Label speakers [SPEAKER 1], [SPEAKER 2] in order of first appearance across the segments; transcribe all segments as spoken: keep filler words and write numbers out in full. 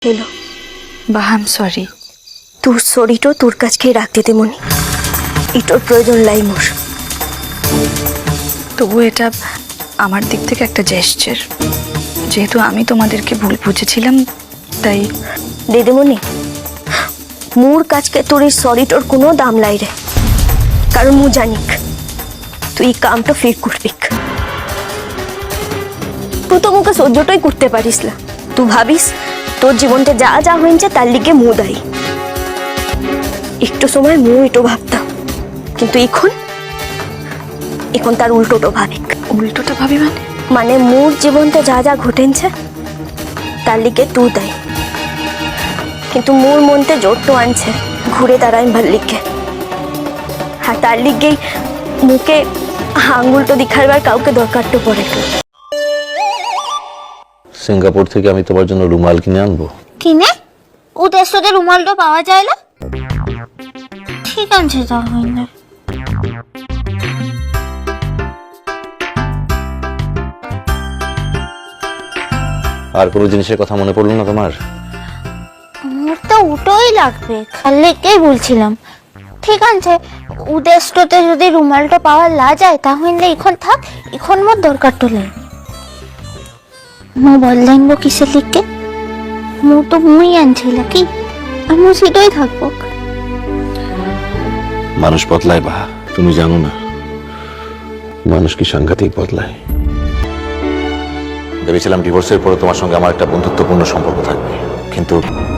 [SPEAKER 1] Hello
[SPEAKER 2] বা I am sorry.
[SPEAKER 1] তোর সরিটো তোর কাছকেই রাখতে দে মনি, এটার প্রয়োজন লাই মোর।
[SPEAKER 2] তবু এটা আমার দিক থেকে একটা জেস্চার, যেহেতু আমি তোমাদেরকে ভুল বুঝেছিলাম তাই।
[SPEAKER 1] দিদিমণি, মোর কাছকে তোর এই সরিটোর কোনো দাম লাই রে, কারণ মু জানিক তুই এই কামটা ফের করবি। তুই তো মুখে সহ্যটাই করতে পারিস না। তুই ভাবিস তোর জীবনটা যা যা হয়েছে তার লিগে মু দায়ী। একটু সময় মু এটো ভাবতাম, কিন্তু এখন এখন তার উল্টোটো ভাবিক।
[SPEAKER 2] উল্টোটা ভাবি মানে?
[SPEAKER 1] মানে মোর জীবনতে যা যা ঘটেছে তার লিগে তুই দায়ী, কিন্তু মোর মনতে জোরটো আনছে ঘুরে দাঁড়ায় ভাল লিগে। হ্যাঁ, তার লিগেই মুখে আঙুলটো দেখাবার কাউকে দরকারটো পড়ে।
[SPEAKER 3] সিঙ্গাপুর থেকে আমি তোমার জন্য রুমাল কিনে আনবো।
[SPEAKER 4] কিনে ওদের সাথে রুমালটা পাওয়া যায় না? ঠিক আছে তাহলে।
[SPEAKER 3] আর কোনো জিনিসের কথা মনে পড়লো না তোমার?
[SPEAKER 4] আমার তো ওটাই লাগবে, খালেকেই বলছিলাম। ঠিক আছে, উদ্দেশ্যতে যদি রুমালটা পাওয়া না যায় তাহলে এখন থাক, এখন মোর দরকার তো নেই। মো বললেন কিসের লিখকে? মো তো মুই আনছিল কি, আমি সেটাই থাকবো।
[SPEAKER 3] মানুষ বদলায় বা, তুমি জানো না মানুষ কি সাংঘাতিক বদলায়। ভেবেছিলাম ডিভোর্সের পরে তোমার সঙ্গে আমার একটা বন্ধুত্বপূর্ণ সম্পর্ক থাকবে, কিন্তু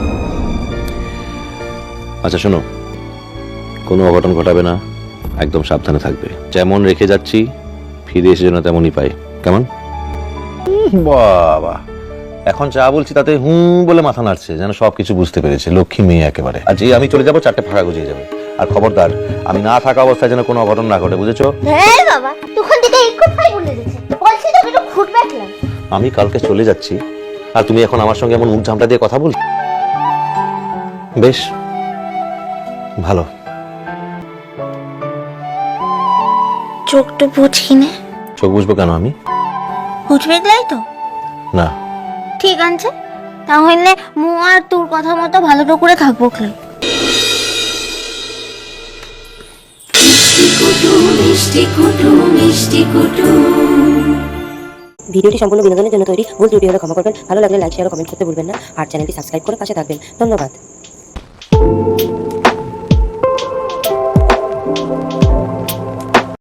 [SPEAKER 3] আচ্ছা শোনো, কোনো অঘটন ঘটাবে না, একদম সাবধানে থাকবে। যেমন রেখে যাচ্ছি ফিরে এসে যেন তেমনই পাই, কেমন? বাবা, এখন যা বলছি তাতে হুম বলে মাথা নাড়ছে, যেন সবকিছু বুঝতে পেরেছে। লক্ষ্মী মেয়ে একেবারে। আর যে আমি চলে যাবো চারটে ফাঁকা গুজিয়ে যাবে। আর খবরদার, আমি না থাকা অবস্থায় যেন কোনো অঘটন না ঘটে, বুঝেছো?
[SPEAKER 4] হ্যাঁ বাবা, তখন থেকে এই কথাই বলে দিচ্ছে, বলছি তো একটু ঘুট ব্যাকলাম।
[SPEAKER 3] আমি কালকে চলে যাচ্ছি আর তুমি এখন আমার সঙ্গে এমন মুখ ঝামটা দিয়ে কথা বল? বেশ ভালো।
[SPEAKER 4] চোখটা বুঝি না।
[SPEAKER 3] চোখ বুঝবো কেন আমি?
[SPEAKER 4] বুঝবে তো
[SPEAKER 3] না।
[SPEAKER 4] ঠিক আছে, তাহলে মু আর তোর কথা মতো ভালো করে থাকবো। খেল
[SPEAKER 5] ভিডিওটি সম্পূর্ণ বিনোদনের জন্য তৈরি, ভুল ত্রুটি হলে ক্ষমা করবেন। ভালো লাগলে লাইক শেয়ার ও কমেন্ট করতে ভুলবেন না, আর চ্যানেলটি সাবস্ক্রাইব করে পাশে থাকবেন। ধন্যবাদ।